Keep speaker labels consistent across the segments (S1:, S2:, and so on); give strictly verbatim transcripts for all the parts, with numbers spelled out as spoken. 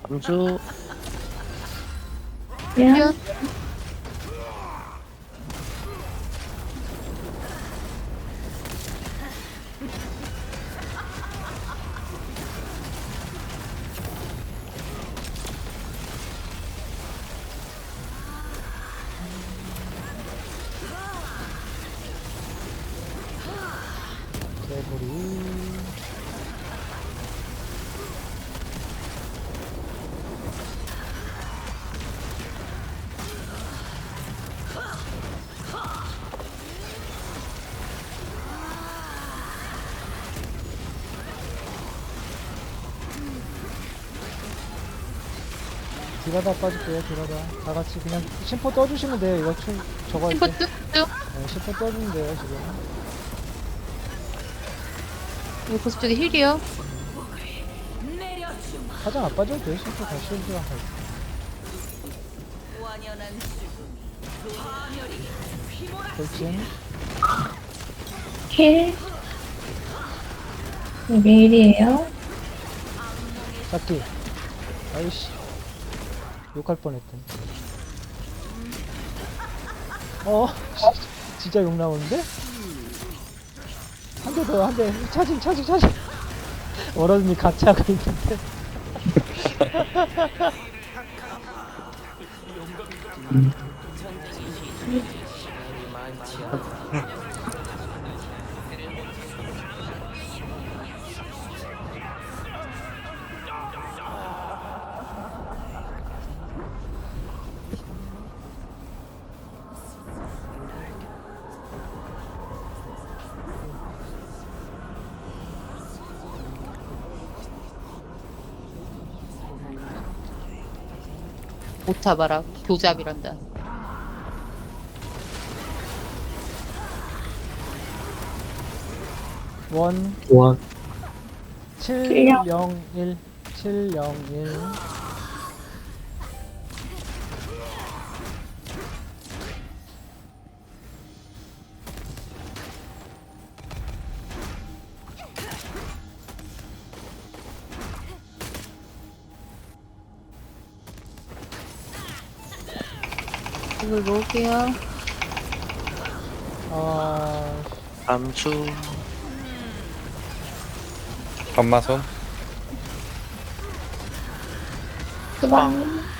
S1: 암수.
S2: 야,
S3: 개구리. 딜하다 빠질게요, 딜하다. 다 같이 그냥 심포 떠주시면 돼요, 이거 춤, 저거 할
S2: 심포
S3: 때.
S2: 뚝뚝.
S3: 네, 심포 떠주면 돼요, 지금.
S2: 여기 보스 쪽에 힐이요.
S3: 화장 안 빠져도 돼요, 심포 다 실드랑 할 때. 돌진.
S4: 힐. 이게 일이에요.
S3: 잡기. 아이씨. 욕할 뻔했다. 어, 진짜 욕 나오는데? 한 대 더, 한 대. 차징, 차징, 차징. 워러드님 같이 하고 있는데.
S2: 못 잡아라. 교잡이란다.
S3: 원,
S1: 원.
S3: 칠영일, 칠영일.
S2: 이걸 먹을게요.
S3: 아,
S1: 암수.
S5: 감마손.
S4: 수방.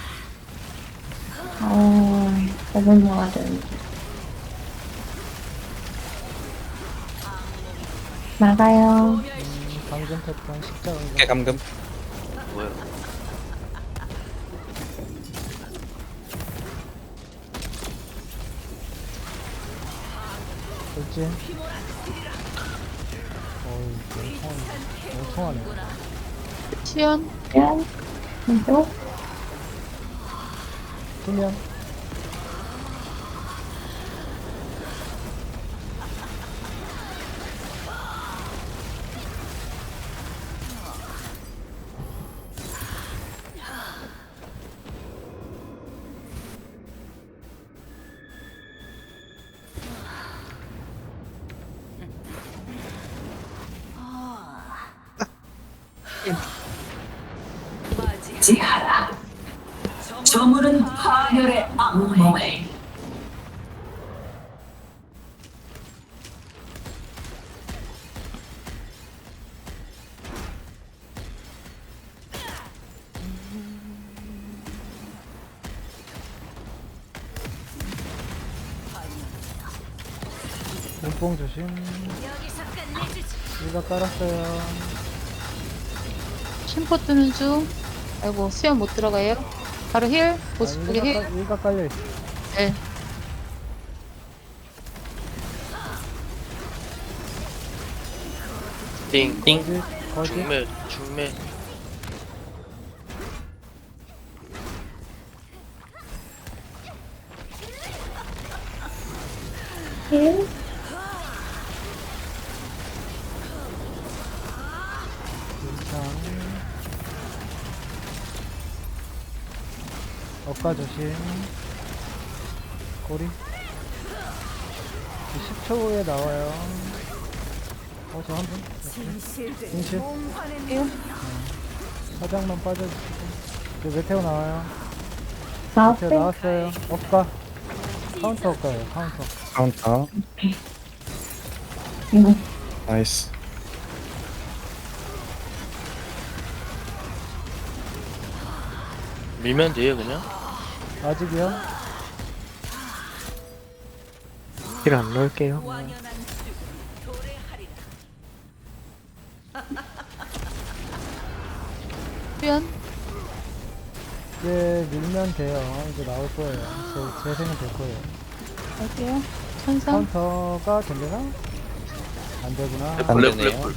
S4: 어, 저번 먹어야 되는데. 막아요.
S3: 음, 방금 패턴 십자가.
S5: 깨 감금.
S1: 뭐야?
S3: 돌진. 어이, 멍청하네. 멍청하네.
S2: 수연.
S4: 면. 왼쪽.
S3: 투명.
S6: 지하라. 저물은 파멸의 악몽을.
S3: 눈뽕 조심. 일가 깔았어요.
S2: 심포 뜨는 중. 아이고, 수연 못 들어가요. 바로 힐. 보스
S3: 아,
S2: 쪽에
S3: 일가,
S2: 힐.
S3: 깔- 일가 깔려 있어.
S2: 네.
S1: 띵. 띵.
S3: 거짓, 거짓.
S1: 중매. 중매.
S4: 힐.
S3: 일상. 엇가 조심. 꼬리. 십 초 후에 나와요. 어, 저 한 분? 진실?
S2: 해요.
S3: 사장만 빠져주시고. 이제 메테오 나와요. 메테오
S4: 나왔어요.
S3: 나왔어요. 업가. 카운터 업가예요, 카운터.
S5: 카운터.
S4: 응.
S5: 나이스.
S1: 밀면 돼요 그냥.
S3: 아직이요?
S7: 힐 안 넣을게요.
S2: 수연.
S3: 이제 밀면 돼요. 이제 나올 거예요. 제, 재생은 될 거예요.
S2: 갈게요. 천상.
S3: 카운터가 되려나? 안 되구나.
S5: 안
S1: 블랙
S5: 되네요.
S1: 블랙.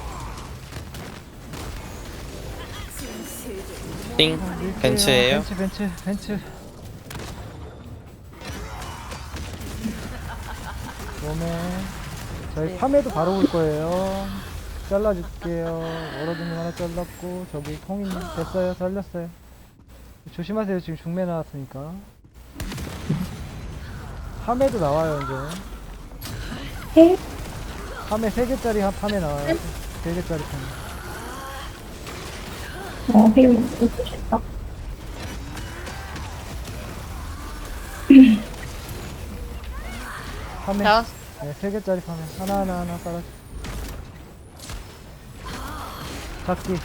S5: 띵.
S3: 밀게요.
S5: 벤츠예요?
S3: 벤츠, 벤츠, 벤츠. 몸에 저희 팜에도 바로 올 거예요. 잘라줄게요. 워러드님 하나 잘랐고 저기 통인 됐어요. 잘렸어요. 조심하세요. 지금 중매 나왔으니까. 팜에도 나와요 이제.
S4: 힐.
S3: 팜에 세 개짜리 한 팜에 나와요. 세 개짜리 팜.
S4: 어, 힐 있으셨다.
S3: 팜에
S2: 나왔.
S3: 네, 세 개짜리 팜에 하나 하나 하나 깔아줘. 잡기.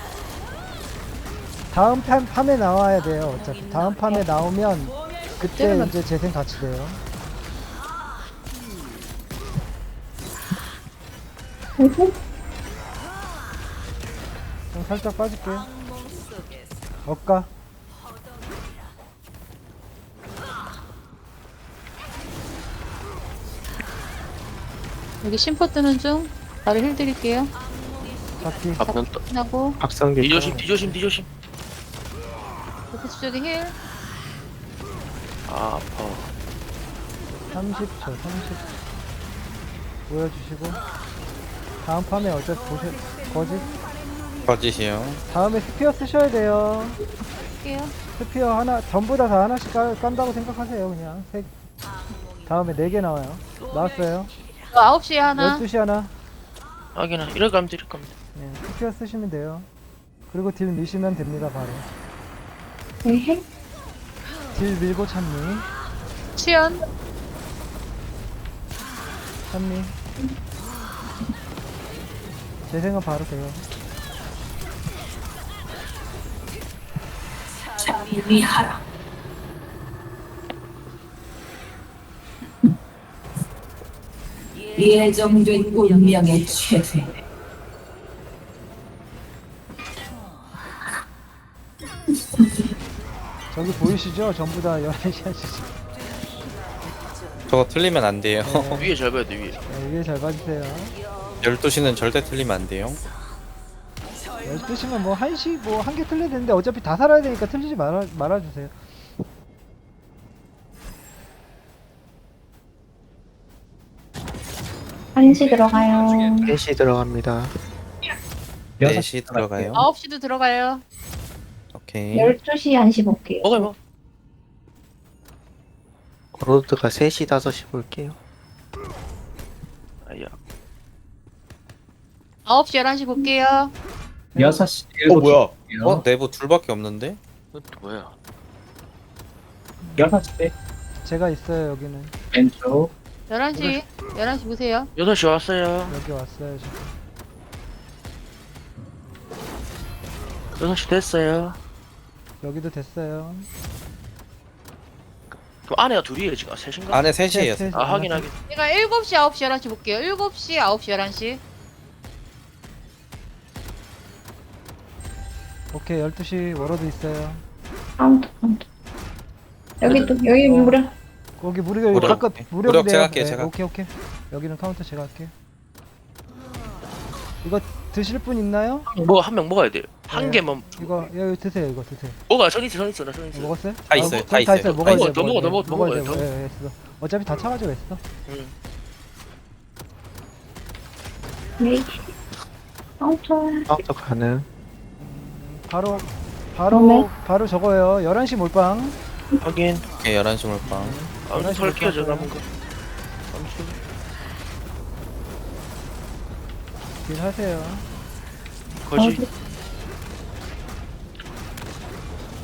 S3: 다음 팜, 팜에 나와야 돼요. 어차피 다음 팜에 나오면 그때
S2: 때려놨-
S3: 이제 재생 같이 돼요.
S4: 힐.
S3: 좀 살짝 빠질게요. 업가.
S2: 여기 심포 뜨는 중. 바로 힐 드릴게요.
S3: 잡기.
S1: 앞면 떠.
S2: 하고
S7: 박성기.
S1: 뒤조심 뒤조심 뒤조심.
S2: 포커스 쪽에 힐.
S1: 아 아파.
S3: 삼십 초, 삼십 초. 보여주시고. 다음 팜에 어차피 보셔, 거짓.
S5: 거짓이요.
S3: 다음에 스피어 쓰셔야 돼요.
S2: 할게요.
S3: 스피어 하나, 전부 다 다 하나씩 깔, 깐다고 생각하세요, 그냥. 세, 다음에 네 개 나와요. 나왔어요.
S2: 저 아홉 시에 하나.
S3: 열두 시 하나.
S1: 하기나 이럴 거면 드릴 겁니다.
S3: 네, 스피어 쓰시면 돼요. 그리고 딜 미시면 됩니다, 바로.
S4: 힐.
S3: 딜 밀고 찬미.
S2: 수연.
S3: 찬미. 재생은 바로 돼요.
S6: 자비하라. 예정된 운명의 최대.
S3: 저기 보이시죠? 전부 다 열한 시 하시죠.
S5: 저거 틀리면 안 돼요.
S1: 위에 잘 봐야 돼 위에.
S3: 네, 위에 잘 봐주세요.
S5: 열두 시는 절대 틀리면 안 돼요.
S3: 열두 시면 뭐 한 시 뭐 한 개 틀려야 되는데 어차피 다 살아야 되니까 틀리지 말아, 말아주세요.
S4: 한시 들어가요.
S7: 셋이 들어갑니다.
S5: 네 시 들어가요.
S2: 아홉 시도 들어가요.
S5: 오케이.
S4: 열두 시 한시 볼게요.
S1: 먹어요 먹어.
S7: 로드가 셋이 다섯이 볼게요.
S1: 아야.
S2: 아홉 시 열한 시 볼게요.
S8: 여섯 시
S5: 어 뭐야? 어
S8: 어?
S5: 내부 둘밖에 없는데?
S1: 이것도 뭐야?
S8: 여섯 시
S3: 제가 있어요 여기는.
S8: 왼쪽
S2: 열한 시. 열한 시 보세요.
S1: 여덟 시 왔어요.
S3: 여기 왔어요 지금.
S1: 여섯 시 됐어요.
S3: 여기도 됐어요.
S1: 그럼 안에가 둘이에요 지금. 아, 셋인가?
S5: 안에 셋이에요.
S3: 셋, 셋.
S1: 아 하긴 하긴.
S2: 제가 일곱 시, 아홉 시, 열한 시 볼게요. 일곱 시, 아홉 시, 열한 시.
S3: 오케이 열두 시 워러드 있어요.
S4: 카운트, 카운트. 여기 또, 여기 무려.
S3: 거기 무력
S5: 무력.
S3: 가끔
S5: 네.
S3: 무력이
S5: 무력
S3: 돼요.
S5: 제가 할게요,
S3: 네,
S5: 제가.
S3: 오케이 오케이. 여기는 카운터 제가 할게요. 이거 드실 분 있나요?
S1: 뭐 한 명 먹어야 돼요. 한
S3: 네.
S1: 개만
S3: 이거 여기 드세요 이거 드세요.
S1: 먹어. 전 있어 전 있어 나전 있어.
S3: 먹었어요?
S5: 다 있어요,
S3: 아,
S5: 다
S3: 다
S5: 있어요.
S3: 있어요. 먹어야
S1: 아니,
S3: 돼요.
S1: 더 먹어, 더
S3: 돼요.
S1: 먹어, 더
S3: 먹어야
S1: 먹어요,
S3: 돼요.
S1: 더.
S3: 예, 예, 있어. 어차피 다 차가지고 있어.
S1: 응.
S4: 네. 카운트.
S7: 카운터 가능.
S3: 바로 바로
S4: 그러네.
S3: 바로 저거예요. 열한 시 몰빵.
S1: 확인.
S5: 오케이 열한 시 몰빵.
S1: 아무튼
S3: 열한 시
S1: 설계요 저
S3: 됐어요.
S1: 남은 거. 아무튼
S3: 딜 하세요.
S1: 거지.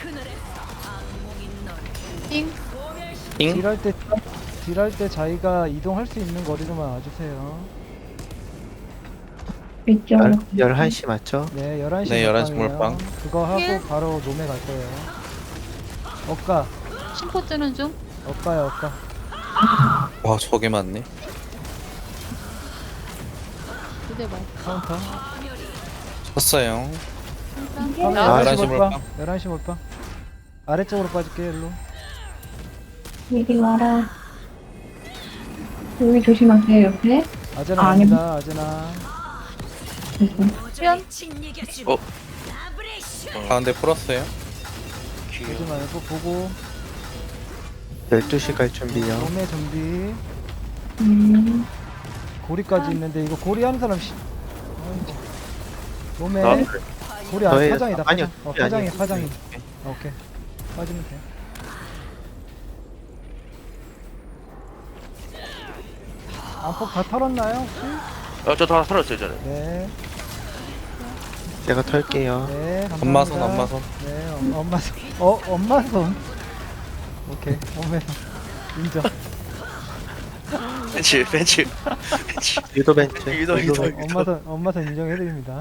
S2: 띵.
S5: 잉?
S3: 딜할 때 딜할 때 자기가 이동할 수 있는 거리로만 와주세요.
S4: 위쪽으로.
S7: 열한 시 맞죠?
S3: 네, 열한 시
S5: 네, 열한 시
S3: 몰빵이에요.
S5: 몰빵.
S3: 그거 하고
S2: 힐.
S3: 바로 놈에 갈 거예요. 엇가,
S2: 심포 뜨는 중.
S3: 엇가요, 엇가.
S5: 와 저게 맞네.
S2: 두대 말.
S3: 카운터.
S5: 쳤어요.
S2: 일단.
S3: 아,
S2: 나와.
S5: 열한 시
S3: 몰빵.
S5: 몰빵.
S3: 열한 시 몰빵. 아래쪽으로 빠질게요, 일로.
S4: 이리 와라. 여기 조심하세요, 옆에.
S3: 아제나
S4: 아, 아니.
S3: 갑니다, 아제나.
S2: 수연.
S1: 어?
S5: 가운데 풀었어요.
S3: 보지
S1: 귀여워.
S3: 말고 보고.
S7: 열두 시 갈 준비요.
S3: 몸에 준비.
S4: 음,
S3: 고리까지 있는데, 이거 고리 하는 사람 씨. 아이고. 몸에.
S1: 나
S3: 고리 안,
S7: 저의-
S3: 파장이다,
S7: 아니요,
S3: 파장. 어,
S7: 고리
S3: 파장이,
S7: 아니에요.
S3: 파장이. 어, 오케이. 빠지면 돼. 안폭 다 털었나요, 혹시?
S1: 어, 저다 살았어요, 저는.
S3: 네.
S7: 제가 털게요.
S3: 네, 감사합니다.
S5: 엄마손 엄마손.
S3: 네, 엄, 엄마손. 어, 엄마손. 오케이, 엄마손. 인정.
S1: 벤츠, 벤츠. 벤츠.
S7: 유도 벤츠.
S1: 유도, 유도.
S7: 벤츠.
S3: 엄마손, 엄마손 인정해드립니다.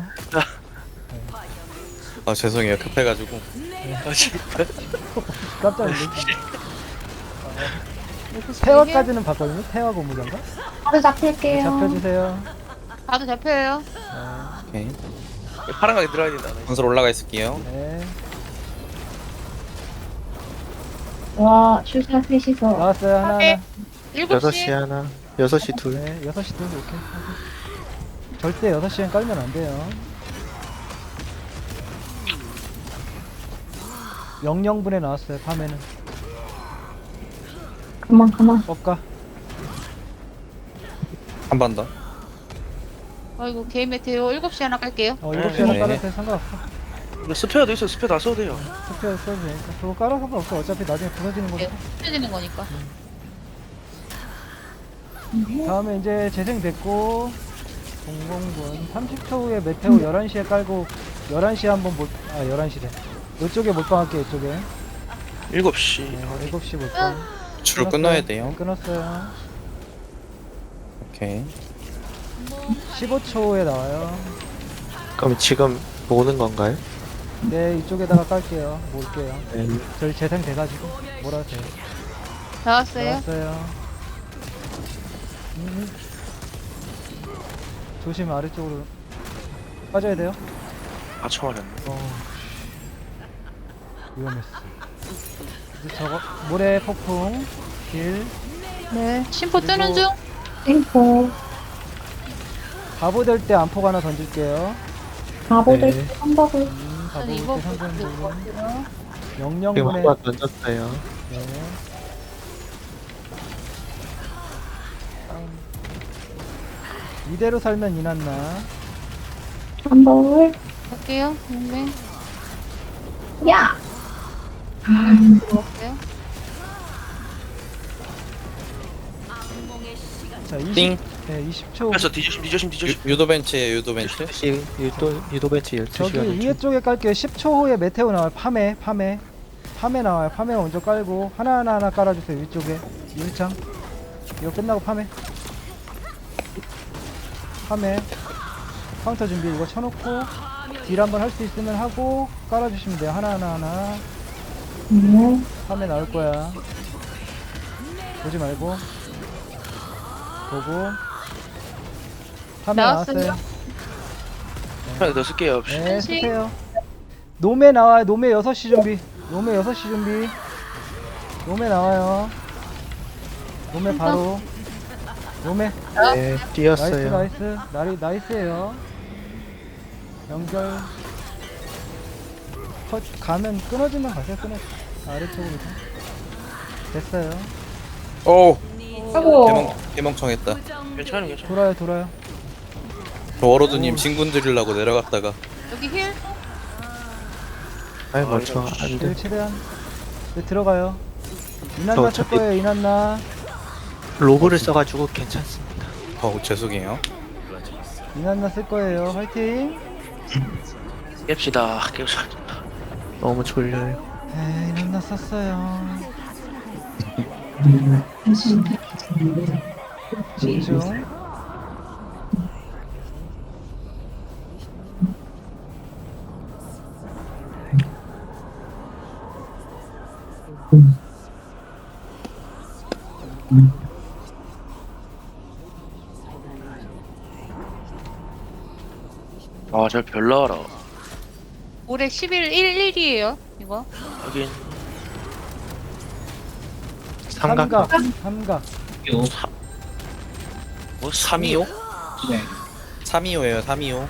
S5: 아 죄송해요 급해가지고.
S1: 아, 진짜.
S3: 깜짝 놀랐네.
S2: 힐.
S3: 태화까지는 봤거든요. 태화 고무장가.
S4: 바로 잡힐게요.
S3: 잡혀주세요.
S2: 다도 잡혀요.
S5: 오케이.
S1: 파란 가게 들어야 된다.
S5: 건설 올라가 있을게요.
S3: 네.
S4: 와, 출사 셋이서.
S3: 나왔어요, 하나,
S2: 오케이.
S3: 하나.
S2: 일곱
S7: 여섯
S2: 시.
S7: 시 하나. 여섯 시 둘.
S3: 네, 여섯 시 둘, 오케이. 절대 여섯 시엔 깔면 안 돼요. 영영분에 나왔어요, 밤에는.
S4: 그만, 그만.
S3: 뻑가.
S5: 한 번 더.
S2: 아이고 개인 메테오 일곱 시 하나 깔게요.
S3: 어, 일곱 시 하나
S5: 네.
S3: 깔았어요, 상관없어.
S1: 이거 스페어도 있어, 스페어 다 써도 돼요.
S3: 스페어 써도 되니까. 그거 깔아 상관없어. 어차피 나중에 부서지는 거니까.
S2: 펴지는 거니까.
S3: 다음에 이제 재생됐고 공공분 삼십 초 후에 메테오 열한 시에 깔고 열한 시에 한번 몰.. 아 열한 시래 이쪽에 몰빵할게요. 이쪽에
S1: 일곱 시.
S3: 네, 일곱 시 몰빵
S5: 줄을 끊어야 돼요.
S3: 끊었어요.
S5: 오케이.
S3: 십오 초에 나와요.
S7: 그럼 지금 모으는 건가요?
S3: 네, 이쪽에다가 깔게요. 몰게요.
S7: 네.
S3: 저희 재생돼가지고 몰아주세요.
S2: 나왔어요.
S3: 나왔어요. 음. 조심, 아래쪽으로 빠져야 돼요.
S1: 아, 처음 알았네.
S3: 어, 위험했어. 이제 저거 모래 폭풍 길
S2: 네. 심포 뜨는
S3: 그리고-
S2: 중.
S4: 땡포.
S3: 바보 될 때 안폭 하나 던질게요.
S4: 바보들
S7: 네.
S4: 한버블.
S3: 음, 바보
S2: 아니
S3: 될
S2: 이거
S3: 때 상관
S2: 볼것
S3: 부분
S2: 같아요.
S7: 지금
S3: 영영분에
S7: 한번 던졌어요.
S3: 네. 다음. 이대로 살면 이났나?
S4: 한버블.
S2: 갈게요. 네.
S4: 야!
S2: 들어왔어요.
S3: 자, 이십,
S5: 띵.
S3: 네, 이십 초.
S1: 그래서 뒤조심, 뒤조심, 뒤조심.
S5: 유, 유도 벤츠예요 유도 벤츠.
S7: 열두 시 유도 유도 벤츠 열두 시
S3: 저기
S7: 가는
S3: 위에
S7: 중.
S3: 쪽에 깔게요. 십 초 후에 메테오 나와요. 파메, 파메. 파메 나와요. 파메 먼저 깔고 하나하나 하나 깔아주세요. 위쪽에. 유리창. 이거 끝나고 파메. 파메. 카운터 준비 이거 쳐놓고 딜 한번 할 수 있으면 하고 깔아주시면 돼요. 하나하나 하나.
S4: 네.
S3: 파메 나올 거야. 보지 말고. 보고. 파메
S2: 나왔어요.
S3: 나왔어요.
S1: 하나 더 쓸게요.
S3: 네,
S2: 한식.
S3: 쓰세요. 노메 나와요. 노메 여섯 시 준비. 노메 여섯 시 준비. 노메 나와요. 노메 바로. 노메.
S7: 네,
S3: 나이스,
S7: 뛰었어요.
S3: 나이스. 나리, 나이스에요. 연결. 컷, 가면 끊어지면 가세요. 끊어. 아래쪽으로. 좀. 됐어요.
S5: 오.
S4: 아이고.
S5: 개멍 개멍청했다.
S1: 괜찮아, 괜찮아.
S3: 돌아요, 돌아요.
S5: 저 워로드님 신군 드리려고 내려갔다가
S2: 여기 힐.
S7: 아이 멀쩡 안
S3: 딜
S7: 돼.
S3: 최대한. 네, 들어가요. 이난나
S7: 저
S3: 쓸
S7: 어차피-
S3: 거예요, 이난나.
S7: 로브를 써가지고 괜찮습니다.
S5: 어우 죄송해요.
S3: 이난나 쓸 거예요. 화이팅!
S1: 깹시다, 깹시다.
S7: 너무 졸려요.
S3: 에이 넌나 썼어요. 집중.
S1: 아, 잘 별나라.
S2: 올해 십일 일일이에요. 이거.
S1: 하긴
S7: 삼각.
S3: 삼각. 삼각.
S1: 뭐
S5: 삼이오?
S8: 네.
S5: 삼이오예요 삼이오.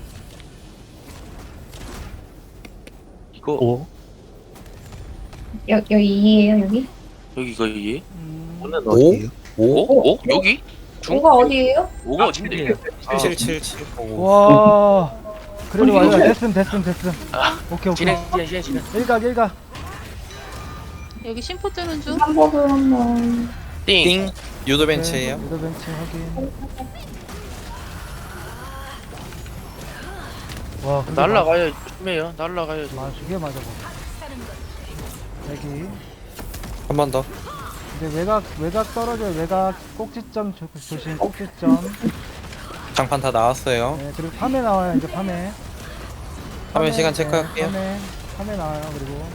S1: 이거
S7: 오.
S4: 여, 여기 이에요 여기?
S1: 여기가 이게?
S3: 음,
S7: 오는
S5: 오?
S7: 어디예요?
S1: 오? 오? 여기? 중?
S4: 뭐가 어디에요?
S1: 오가 어딘데? 아,
S5: 칠칠칠칠.
S3: 와. 그래도
S1: 어디,
S3: 완전
S1: 어디?
S3: 됐음 됐음 됐음. 오케이 오케이.
S1: 진행 진행 진행 진행.
S3: 일각 일각.
S2: 여기 심포 뜨는 중.
S4: 한복을 한번.
S1: 띵.
S5: 띵. 유도 벤치예요.
S3: 유도 벤치 확인. 와 근데
S1: 날라가야 조심해요. 날라가야.
S3: 마- 두개 맞아 봐. 여기.
S5: 한 번 더.
S3: 이제 외곽 외곽 떨어져요. 외곽 꼭지점 조, 조심 꼭지점.
S5: 장판 다 나왔어요.
S3: 네 그리고 파메 나와요 이제 파메.
S5: 화면 시간
S3: 네,
S5: 체크할게요.
S3: 파메 파메 나와요 그리고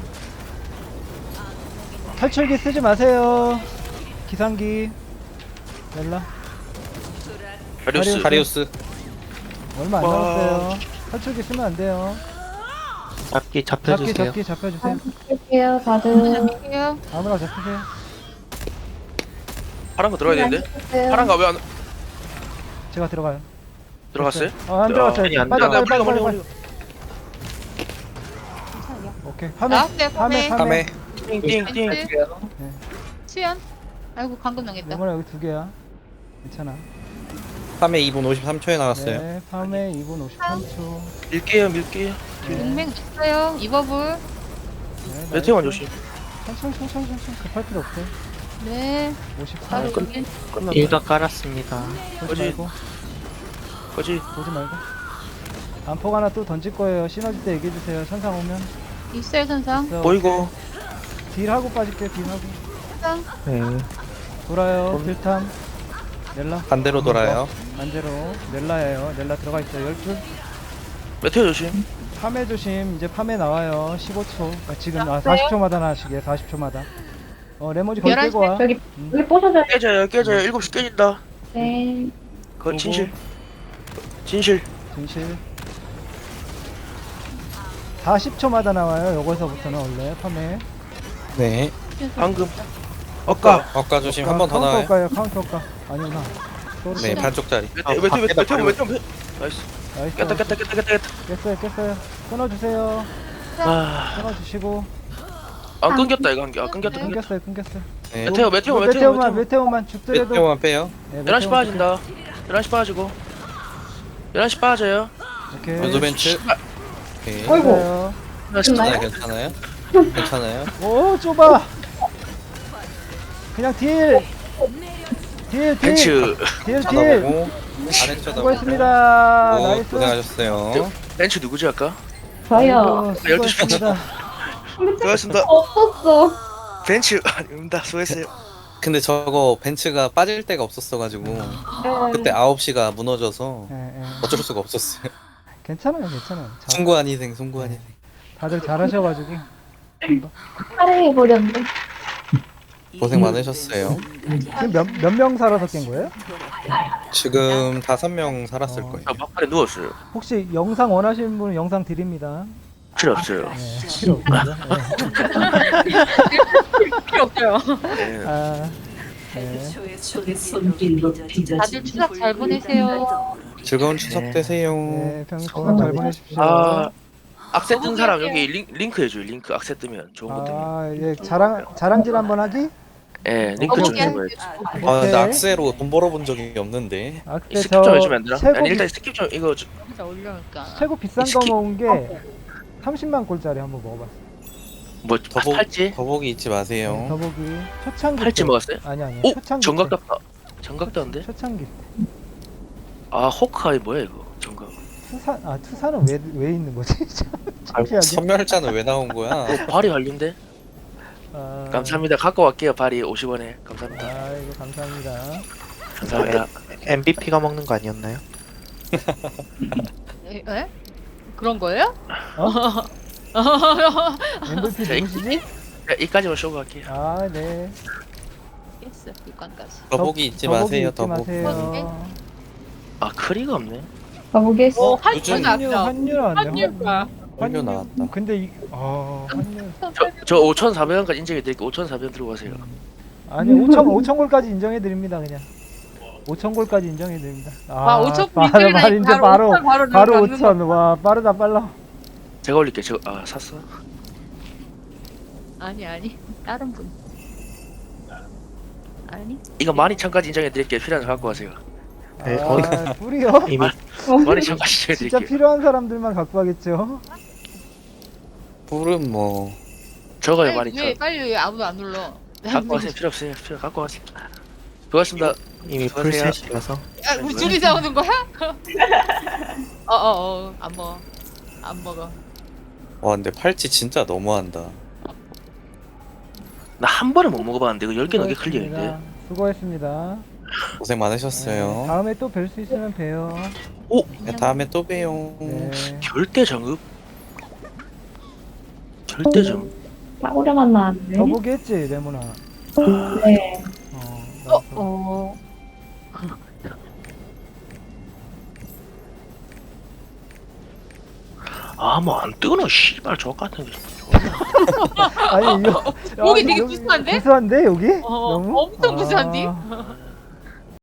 S3: 탈출기 쓰지 마세요. 기상기. 넬라
S1: 가리우스.
S5: 카리우스.
S3: 얼마 안
S1: 와.
S3: 남았어요. 탈출기 쓰면 안 돼요.
S7: 잡기
S3: 잡기
S7: 잡혀주세요.
S3: 잡기 잡혀주세요.
S4: 할게요 다들.
S2: 잡을게요.
S3: 아무나 잡히세요.
S1: 파란 거 들어가야 되는데?
S4: 네.
S1: 파란 거 왜 안
S3: 제가 들어가요.
S1: 들어갔어요?
S3: 어, 안 들어갔어요.
S1: 아니, 안
S3: 빨리
S1: 들어가.
S3: 빨리 빨리
S1: 멀리,
S3: 빨리.
S1: 멀리,
S3: 오케이. 파메
S2: 나왔어요,
S3: 파메
S2: 파메.
S3: 파메.
S5: 카메.
S1: 띵띵띵.
S2: 벤츠. 수연. 아이고 방금 넘겼다.
S3: 레몬아 여기 두 개야. 괜찮아.
S5: 카메 이 분 오십삼 초에 나왔어요.
S3: 네, 파메 이 분 오십삼 초.
S1: 밀게요 밀게요.
S2: 용맹 줬어요. 이버블.
S3: 네,
S1: 메테오만
S3: 나이스.
S1: 조심.
S3: 천천히 천천히 천천히 급할 필요 없어요.
S2: 네.
S3: 오십사.
S2: 바로
S1: 끝.
S2: 여기.
S1: 끝났다.
S7: 일각 깔았습니다.
S3: 보지
S1: 거지.
S3: 말고
S1: 거지.
S3: 보지 말고. 안폭 하나 또 던질 거예요. 시너지 때 얘기해 주세요. 천상 오면.
S2: 있어요 선상.
S3: 있어.
S1: 보이고.
S3: 딜 하고 빠질게요. 딜 하고.
S2: 선상.
S7: 네.
S3: 돌아요. 딜탐. 넬라.
S5: 반대로 돌아요.
S3: 반대로. 넬라예요. 넬라 들어가 있어요. 열 줄.
S1: 메테오 조심.
S3: 파메 조심. 이제 파메 나와요. 십오 초. 아, 지금 아,
S2: 나왔어요?
S3: 사십 초마다 나시게. 사십 초마다. 어 레모지 거기
S2: 열한
S3: 빼고 와.
S4: 여기
S3: 음.
S4: 여기 뽀셔져요.
S1: 깨져요 깨져요. 일곱 시 깨진다.
S4: 네.
S1: 거
S3: 보고.
S1: 진실. 진실.
S3: 진실. 사십 초마다 나와요. 요거서부터는 원래 파메.
S5: 네.
S1: 방금. 엇가.
S5: 어까 조심 한 번 더 나와요.
S3: 카운터 카운터 엇가. 아니구나. 소리.
S5: 네 반쪽짜리.
S1: 메테오 메테오
S7: 밖에다
S1: 메테오
S7: 버리고.
S1: 메테오 메테오. 나이스.
S3: 나이스.
S1: 깼다 깼다 깼다 깼다 깼다.
S3: 깼어요 깼어요. 끊어주세요.
S1: 아,
S3: 끊어주시고.
S1: 아 끊겼다 이거 한 개. 아 끊겼다 끊겼다.
S3: 끊겼어요 끊겼어요.
S5: 네.
S1: 메테오 메테오 메테오
S3: 메테오만
S1: 메테오.
S3: 메테오만 죽더라도.
S5: 메테오만 빼요.
S3: 네,
S1: 열한 시
S3: 메테오만
S1: 빠진다. 열한 시 빠지고. 열한 시 빠져요.
S3: 오케이.
S5: 유도 벤츠. 오케이.
S4: 어이구.
S3: 됐어요.
S5: 괜찮아요 괜찮아요. 괜찮아요.
S3: 오 좁아. 그냥 딜. 딜 딜.
S1: 벤츠.
S3: 딜 딜.
S5: 쳐다보고 아래 쳐다보고.
S3: 수고했습니다.
S5: 오,
S3: 나이스.
S5: 고생하셨어요.
S1: 벤츠 누구지 아까?
S4: 저요.
S3: 아이고, 수고했습니다.
S1: 수고하셨습니다.
S4: 없었어.
S1: 벤츠 아닙니다. 수고했어요.
S5: 근데 저거 벤츠가 빠질 데가 없었어가지고
S4: 네.
S5: 그때 아홉 시가 무너져서
S3: 예, 예.
S5: 어쩔 수가 없었어요.
S3: 괜찮아요 괜찮아요. 자,
S5: 송구한 희생 송구한 희생.
S3: 다들 잘하셔가지고.
S4: 살해 버렸는데.
S5: 고생 많으셨어요.
S3: 지금 몇몇 명 살아서 깬 거예요?
S5: 지금 다섯 명 살았을
S3: 어.
S5: 거예요.
S1: 저 막판에 누웠어요.
S3: 혹시 영상 원하시는 분은 영상 드립니다.
S1: 필요 없어요.
S3: 네, 필요 없고요.
S2: 필요 없어요.
S3: 네.
S1: 네.
S3: 아, 네.
S6: 적의 손길로 빚어진
S2: 다들 추석 잘 보내세요.
S5: 즐거운 추석
S3: 네.
S5: 되세요.
S3: 네, 평소 잘 보내십시오.
S1: 아 악세 뜬 사람 여기 링, 링크 해줘요. 링크 악세 뜨면 좋은 거 뜨면.
S3: 아, 예, 자랑 자랑질 한번 하기?
S1: 예, 링크 좀
S2: 어떻게
S1: 해봐요.
S5: 아,
S3: 오케이.
S5: 근데 악세로 돈 벌어본 적이 없는데.
S3: 아,
S1: 이
S3: 근데
S1: 스킵 좀 해주면 안
S3: 저
S1: 되나?
S3: 최고,
S1: 아니
S3: 비,
S1: 일단 스킵 좀 이거 좀-
S2: 진짜 올려놓을까.
S3: 최고 비싼 거
S1: 스킵.
S3: 먹은 게 삼십만 골짜리 한번 먹어봤어.
S1: 뭐
S5: 더복
S1: 팔찌?
S5: 더복이 잊지 마세요.
S3: 더보기 초창기
S1: 팔찌
S3: 때.
S1: 먹었어요?
S3: 아니 아니.
S1: 오
S3: 초창기
S1: 정각
S3: 때.
S1: 같다. 정각 떴는데?
S3: 초창기.
S1: 아 호크아이 뭐야 이거? 정각.
S3: 투산 아 투산은 왜 왜 있는 거지? 창피하게.
S5: 선멸자는 왜 나온 거야?
S1: 어, 발이 완료인데?
S3: 아,
S1: 감사합니다. 갖고 갈게요. 발이 오십 원에. 감사합니다.
S3: 아이고 감사합니다.
S1: 감사합니다.
S7: 엠브이피가 먹는 거 아니었나요?
S2: 에? 에? 그런 거예요?
S3: 엠브이피
S1: 자, 이-
S3: 누구시지?
S1: 자, 이까지만 쇼고 갈게요.
S3: 아 네.
S2: 있어 육관까지.
S5: 더보기 잊지
S3: 더보기
S5: 마세요.
S3: 잊지
S5: 더보기.
S3: 마세요.
S1: 아 크리가 없네.
S4: 가보게 했어.
S2: 오
S5: 요즘
S2: 한줄
S3: 환율
S2: 나왔다.
S3: 환율 나왔네.
S2: 한줄가.
S5: 환율 나왔다.
S3: 근데 이 아, 환율.
S1: 저, 저 오천사백 원까지 인정해 드릴게요. 오천사백 원 들고 가세요.
S3: 아니 오천 오천 골까지 인정해 드립니다 그냥. 오천 골까지 인정해 드립니다.
S2: 와 오천
S3: 바로
S2: 불이나
S3: 바로 이제 바로
S2: 바로
S3: 바로
S2: 바로
S3: 오천. 와 빠르다 빨라.
S1: 제가 올릴게요. 제가 아 샀어.
S2: 아니 아니 다른 분. 아니
S1: 이거 만 이천 원까지 인정해 드릴게요. 필요한 거 갖고 가세요.
S7: 네,
S3: 아, 뿌리요?
S7: 이미
S1: 만 이천 원까지 인정해
S3: 진짜
S1: 드릴게요.
S3: 필요한 사람들만 갖고 가겠죠.
S5: 불은 뭐
S1: 적어요. 만
S2: 빨리
S1: 이천
S2: 왜
S1: 원.
S2: 빨리 왜 아무도 안 눌러?
S1: 갖고 가세요. 필요 없어요. 필요 갖고 가세요. 고맙습니다.
S7: 이미
S1: 수고하세요.
S7: 풀셋이라서
S2: 야, 우리 둘이 싸우는 거야? 어어어 안 먹어 안 먹어.
S5: 와 근데 팔찌 진짜 너무한다.
S1: 나 한 번에 못 먹어봤는데 이거 열 개 넘게 클리어인데.
S3: 수고했습니다.
S5: 고생 많으셨어요.
S3: 네, 다음에 또 뵐 수 있으면 봬요.
S1: 오
S5: 네, 다음에 또 봬요.
S3: 네.
S1: 절대 정읍. 절대 정읍.
S4: 싸구려만 나왔네.
S3: 더보기 했지 레모나.
S4: 네.
S3: 어.
S2: 어
S3: 나도.
S2: 어.
S1: 아 뭐 안 뜨거나 씨발 저 같은 게.
S3: 아니 이거
S2: 목이
S3: 아,
S2: 되게
S3: 여기
S2: 구수한데?
S3: 구수한데 여기?
S2: 어,
S3: 너무?
S2: 엄청 구수한디?
S3: 아,